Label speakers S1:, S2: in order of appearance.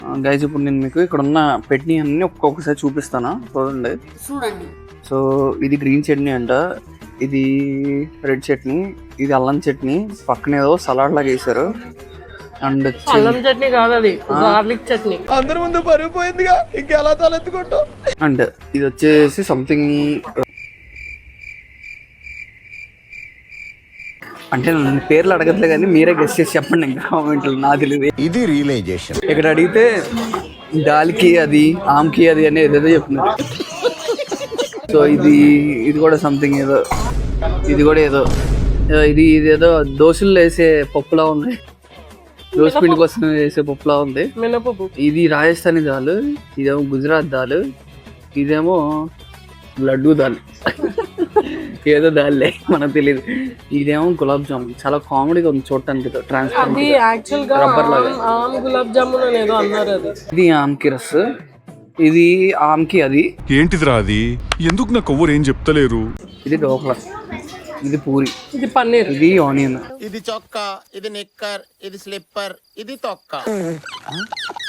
S1: Guys ఇప్పుడు నేను మీకు ఇక్కడ ఉన్న పెట్టిన అన్ని ఒక్కొక్కసారి చూపిస్తాను, చూడండి. సో ఇది గ్రీన్ చట్నీ అంట, ఇది రెడ్ చట్నీ, ఇది అల్లం చట్నీ, పక్కన ఏదో సలాడ్ లాగా వేసారు. అండ్
S2: అల్లం చట్నీ కాదు, అది గార్లిక్ చట్నీ.
S3: అందరి ముందు పరిగిపోయిందిగా, ఇంకెలా తలెత్తుకుంటాం.
S1: అండ్ ఇది వచ్చేసి సంథింగ్, అంటే నన్ను పేర్లు అడగట్లే కానీ మీరే గెస్ట్ చేసి చెప్పండి ఇంకా కామెంట్లు, నాకు తెలియదు.
S3: ఇది రియలైజేషన్.
S1: ఇక్కడ అడిగితే దాల్కి అది, ఆమ్కి అది అని ఏదేదో చెప్తున్నారు. సో ఇది కూడా సంథింగ్ ఏదో, ఇది కూడా ఏదో, ఇదేదో దోశలు వేసే పప్పులా ఉంది, దోశ పిండి కోసం వేసే పప్పులా ఉంది. ఇది రాజస్థానీ దాల్, ఇదేమో గుజరాత్ దాల్, ఇదేమో లడ్డూ దాల్, ఏదో దాల్లే మనకు తెలియదు. ఇదేమో గులాబ్ జామున్, చాలా కామెడీగా ఉంది చూడటానికి, రబ్బర్ లాగా. ఇది ఆమ్కి రస్, ఇది ఆమ్కి అది.
S4: ఏంటిదిరా అది? ఎందుకు నాకు ఎవరు ఏం చెప్తలేరు?
S1: ఇది ఢోక్లా, ఇది పూరి,
S2: ఇది పన్నీర్,
S1: ఇది ఆనియన్,
S3: ఇది చొక్కా, ఇది నిక్కర్, ఇది స్లిప్పర్, ఇది తొక్క.